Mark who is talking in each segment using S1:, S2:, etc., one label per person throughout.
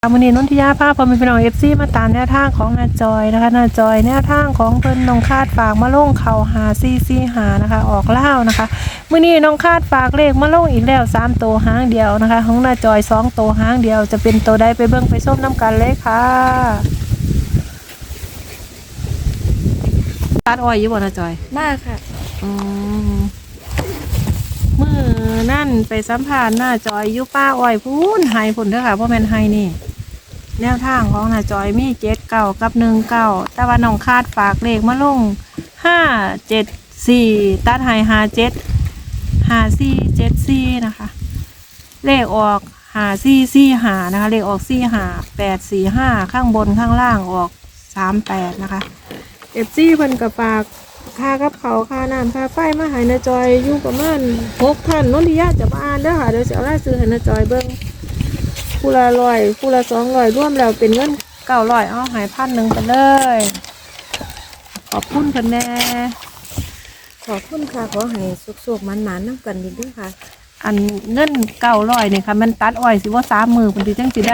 S1: วันนี้นนทิยาภาพพอมีพี่น้องFCมาตามแนวทางของนาจอยนะคะนาจอยแนวทางของเพิ่นน้องคาดฝากมาลงเข่าหาซีหานะคะออกเล่านะคะมื้อนี้น้องคาดฝากเลขมาลงอีกแล้ว3ตัวหางเดียวนะคะของนาจอย2ตัวหางเดียวจะเป็นตัวใดไปเบิ่งไปส้มน้ำกันเลยค่ะตัดอ้อยอยู่บ่นาจอย
S2: มากค่ะ
S1: มื้อนั่นไปสัมภาษณ์นาจอยอยู่ป้าอ้อยพูนไฮพุ่นเด้อค่ะบ่แม่นไฮนี่แนวทางของนาจอยมี7 9กับ1 9แต่ว่าน้องคาดฝากเลขมาลง5 7 4ตัดให้5 7 5 4 7 4นะคะเลขออก5 4 4 5นะคะเลขออก4 5 8 4 5ข้างบนข้างล่างออก38นะคะFCเพิ่นก็ฝากค่ากับเขาค่าน้ำค่าไฟมาให้นาจอยอยู่ประมาณ6ท่านนนทิยาจะมาอ่านเด้อค่ะเดี๋ยวจะเอารายชื่อให้นาจอยเบิ่งผู้ละ100ผู้ละ200รวมแล้วเป็นเงิน900เอาให้1,000ไปเลยขอบคุณเพิ่นแน่
S2: ขอบคุณค่ะขอให้สุขๆมันๆน้ำกันดีด้วยค่ะ
S1: อันเงิน900นี่ค่ะมันตัดอ้อยสิว่า3มื้อเพิ่นสิจังสิได้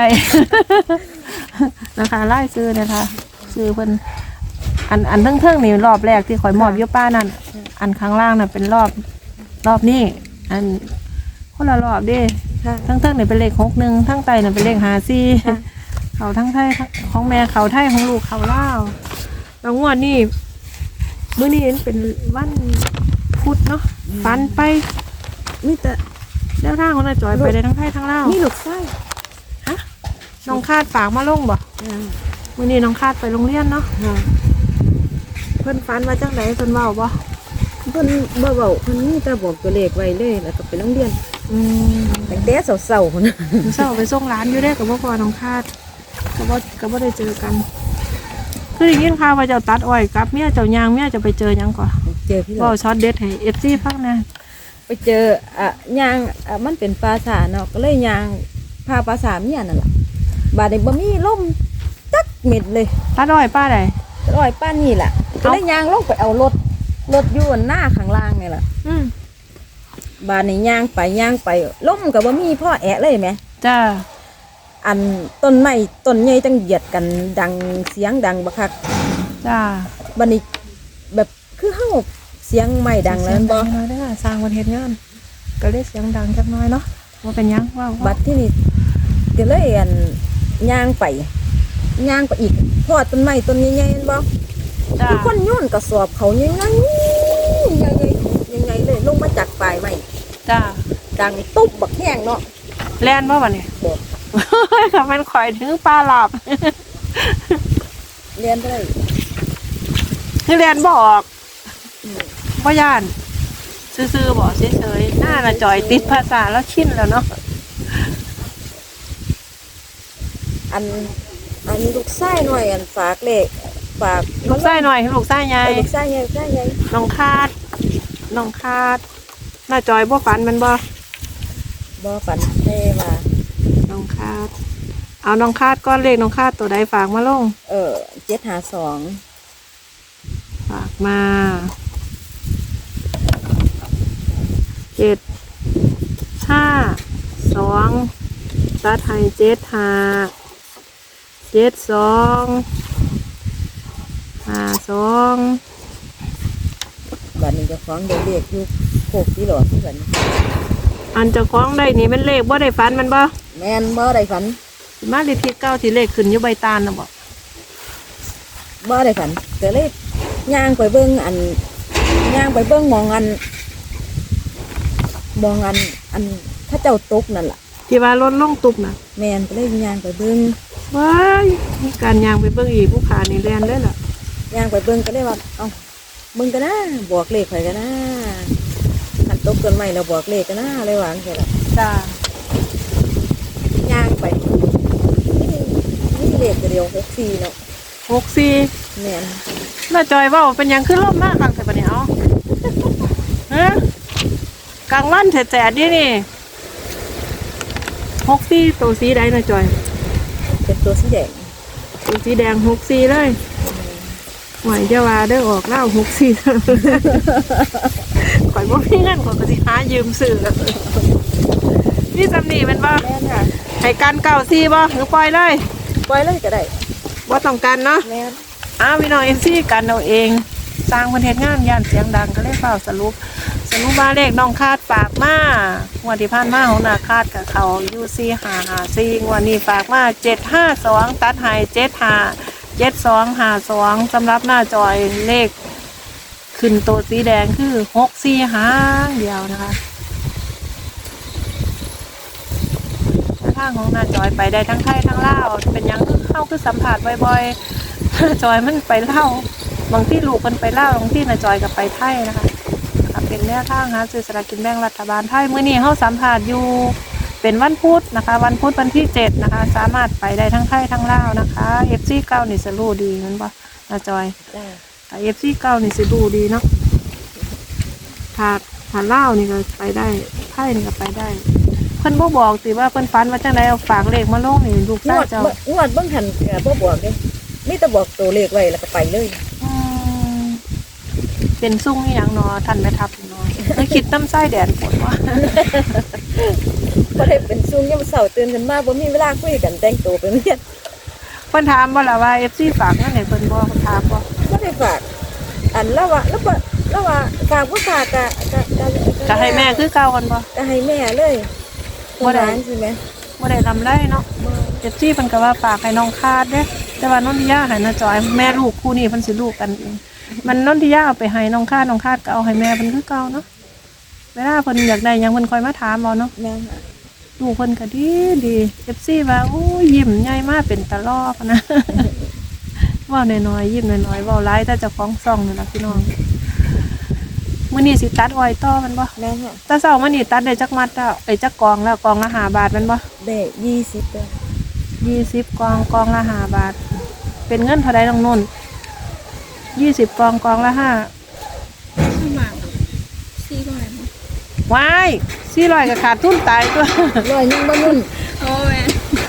S1: นะคะรายชื่อนะคะชื่อเพิ่นอันเทิงๆนี่รอบแรกที่ข่อยมอบอยู่ป้านั่นอันข้างล่างน่ะเป็นรอบนี้อันคนละรอบเด้ทั้งนี่เป็นเลข61ทั้งใต้น่ะเป็นเลข54เขาทั้งไทยของแม่เขาไทยของลูกเขาลาวแล้วงวดนี้มื้อนี้เป็นวันพุธเนาะฝันไปมีแต่แนวทางของน้าจอยไปได้ทั้งไทยทั้งลาว
S2: มีลูกไส้
S1: ฮะน้องคาดฝากมาลงบ่มื้อนี้น้องคาดไปโรงเรียนเนาะเพิ่นฝันว่าจังไดเพิ่นเว้าบ่
S2: เพิ่นบ่เว้าเพิ่นมีแต่บอกตัวเลขไว้เลยแล้วก็ไปโรงเรียนตั้งแต่เช้าๆพุ่น
S1: เช้าไปส่งร้านอยู่ได้กับพ่อน้องคาดก็บ่ได้เจอกันคือได้ยินข่าวว่าเจ้าตัดอ้อยกับเมียเจ้ายางเมียจะไปเจอหยังก่อน
S2: เจอพี่
S1: บ่ช็อตเด็ดให้ FC ฟังนะ
S2: ไปเจอยางมันเป็นปราสาทเนาะก็เลยยางพาปราสาทเมียนั่นล่ะบาดนี้บ่มีลมจักเม็ดเลย
S1: ตัดอ้อยป้าใด
S2: อ้อยป้านี่แหละก็เลยยางลงไปเอารถอยู่หน้าข้างล่างนี่แหละบานนี่ย่างไปล้มกับว่ามีพ่อแอะเลยไหม
S1: จ้า
S2: อันต้นไม้ต้นใหญ่จังเหยียดกันดังเสียงดังบักคัก
S1: จ้า
S2: บานนี้แบบคือเฮาเสียงไม้ดังแล้วบ่
S1: น้อยเด้อสร้างวันเฮ็ดงานก็เลยเสียงดังจักน้อยเนาะว่าเป็นยังว่า
S2: บัดที่นี่ก็เลยอันย่างไปอีกพ่อต้นไม้ต้นใหญ่ๆบ่คือคนโยนกระสอบเขายังไงเลยลงมาจากปลายไม้
S1: จ้า
S2: ดังตุ๊บบักแห้งเนาะ
S1: แล่นบ่บัดนี้
S2: บ่
S1: ค่ะมันข่อยถึงปลาหลับ
S2: เรียนได้
S1: คือแล่นบ่ออกบ่ย่านซื่อๆบ่เฉยๆหน้าน่ะจ่อยติดภาษาแล้วชินแล้วเนาะ
S2: อันลูกไส้หน่อยอันฝากเลขฝาก
S1: ลูกไส้หน่อยลูกไส้ใหญ่
S2: ลูกไส้ใหญ่
S1: น้องคาดน้าจอยบ่ฝันมันบ่
S2: ฝันเท่ว่า
S1: น้องคาดเอาน้องคาดก้อนเลขน้องคาดตัวใดฝากมาลง
S2: 752
S1: ฝากมา752ตัดให้752
S2: บัดนี้จะฟ้องเด็กอยู่โคกที่หลอดที่กัน
S1: อันจะคล้องได้นี่เป็นเลขบ่ได้ฝันมันบ่
S2: แม่นบ่ได้ฝัน
S1: มาเลขที่9ที่เลขขึ้นอยู่ใบตาลนะ
S2: บ่ได้ฝันแต่เลขย่างไปเบิ่งมองอันถ้าเจ้าตกนั่นล่ะ
S1: ที่ว่ารถลงตุบน่ะ
S2: แม่นก็เลยย่างไปเบิ่ง
S1: ว้ายมีการย่างไปเบิ่งอีกผู้ขานี่แล่นเลยล่ะ
S2: ย่างไปเบิ่งก็เลยว่าเอ้ามึงกันนะบอกเลขใครกันนะขันตกต้นไม้เราบอกเลขกันนะเลยวางแค่ละ
S1: จ้า
S2: ย่างไปนี่เลขเดียว64เนาะ
S1: 64
S2: เนี่ย
S1: น่าจอยว่าเป็นยังขึ้นร่มมากกลางแต่ปะเนี่ยเอาฮะกลางวันแฉะดินี่64ตัวสีใดน่าจอย
S2: เป็นตัวสีแดง
S1: 64เลยหวยจะว่าได้ออกเล่า64ข่อยบ่มีเงินข่อยก็สิหายืมซื้อนี่จำนี่มันบ่
S2: แม่นค่ะ
S1: ให้กันเก่าซีบ่หรือปล่อยเลย
S2: ปล่อยเลยก็ได้
S1: บ่ต้องกันเนาะ
S2: แม่น
S1: พี่น้องเอฟซีกันเอาเอง สร้างประเทศงานย่านเสียงดังก็เลยเฝ้าสรุปมาเลขน้องคาดฝากมางวดที่ผ่านมาของนาคาดกับเขายูซี554งวดนี้ฝากมา752ตัดให้757252สำหรับหน้าจอยเลขขึ้นตัวสีแดงคือ64หางเดียวนะคะทางของหน้าจอยไปได้ทั้งไทยทั้งลาวเป็นหยังเข้าคือสัมผัสบ่อยๆ จอยมันไปเล่าบางที่ลูกมันไปเล่าบางที่นาจอยกับไปไทยนะคะเป็นแนวทางหาซื้อสลากกินแบ่งรัฐบาลไทยมื้อนี้เขาสัมผัสอยู่เป็นวันพุธนะคะวันพุธวันที่7นะคะสามารถไปได้ทั้งไทยทั้งลาวนะคะ FC เก้านี่สิรู้ดีนั่นบ่นาจอย
S2: จ้า
S1: FC เก้านี่สิรู้ดีเนาะถ้าลาวนี่ก็ไปได้ไทยนี่ก็ไปได้เพิ่นบ่บอกสิว่าเพิ่นฝันว่าจังไดเอาฝากเลขมาลงนี่ลูก
S2: ง
S1: ชายว
S2: ด
S1: เจ้า
S2: งวดเบิ่งหันบ่บอกเด้มีแต่บอกตัวเลขไว้แล้วก็ไปเลย
S1: อืมเป็นซุ่งอหย่างเนอทันไม่ทับเนอไม่คิดน้ำไส้แดนฝนว่า
S2: บ่ได้เป็นซุ่มยามเช้าตื่นขึ้นมาบ่มีเวลาคุยกันแต่งตัวไปโรงเรียน
S1: เพิ่นถามบ่ล่ะว่า FC ฝากเงินให้เพิ่นบ่เพิ่นถามบ่
S2: บ่ได้ฝากอันแล้วว่าฝากผู้ฝากก็
S1: ก็ให้แม่คือเก่ากันบ่
S2: ก็ให้แม่เลย
S1: บ่ได้
S2: ใช่ไหม
S1: บ่ได้ลำไรเนาะ FC เพิ่นก็ว่าฝากให้น้องคาดเด้แต่ว่านนทิยาให้น้าจอยแม่ลูกคู่นี้เพิ่นสิลูกกันเองมันนนทิยาเอาไปให้น้องคาดก็เอาให้แม่เพิ่นคือเก่าเนาะเวลาเพิ่นอยากได้หยังเพิ่นคอยมาถามเอาเนาะ
S2: แม่ค่ะ
S1: ลูกเพิ่นก็ดี FC ว่าโอ้ยยิ้มใหญ่มากเป็นตะลอกนะ เว้าน้อยๆยิ้มน้อยๆเว้าหลายแต่เจ้าของซ่องนี่ล่ะพี่น้องมื้อนี้สิตัดอ้อยต่อมันบ่
S2: แม่ค่ะ
S1: แต่เช้ามื้อนี้ตัดได้จักมัดแล้วจักกองแล้วกองละ5 บาทแมันบ่
S2: ได้20ตัว
S1: 20กองละ5 บาท เป็นเงินเท่าใดน้องนุ่น20กองละ5
S3: บาท400
S1: ว้าย400ก็ขาดทุนตายตัว
S2: ร้อยหนึงบ่นุ่น
S3: โอ้แม่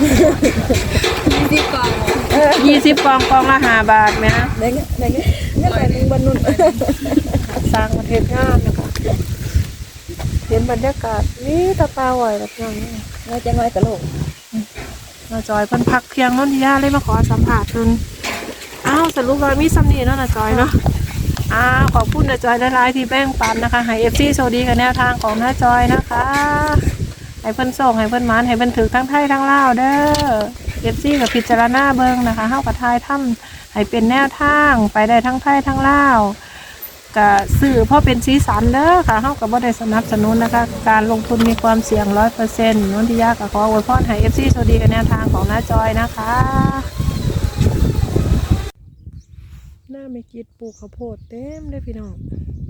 S3: 20กล่อง
S1: 20กองละ5 บาทแม่
S2: ได้เงินร้อยหนึงบ่นุ่น
S1: สร้างประเทศงานนะคะเห็นบรรยากาศนี่ตะปาไหวแบบอย่างนี้
S2: น้อยจังน้อยก็โลก
S1: นาจอยเพิ่นพักเพียงนนทิยาเลยมาขอสัมผัสเพิ่นสรุปว่ามีซัมนี่เนาะนาจอยเนาะขอบคุณนาจอยหลายๆที่แบ่งปันนะคะให้ FC โชคดีกับแนวทางของนาจอยนะคะให้เพิ่นส่งให้เพิ่นหมานให้เพิ่นถือทั้งไทยทั้งลาวเด้อ FC กับพิจารณาเบิ่งนะคะเฮากับทายถ้ำให้เป็นแนวทางไปได้ทั้งไทยทั้งลาวก็สื่อเพราะเป็นสีสันเด้อค่ะเฮาก็บ่ได้สนับสนุนนะคะการลงทุนมีความเสี่ยง 100%นนทิยาก็ขออวยพรให้ FC โชคดีกับแนวทางของน้าจอยนะคะหน้าไม่กิดปลูกข้าวโพดเต็มเลยพี่น้อง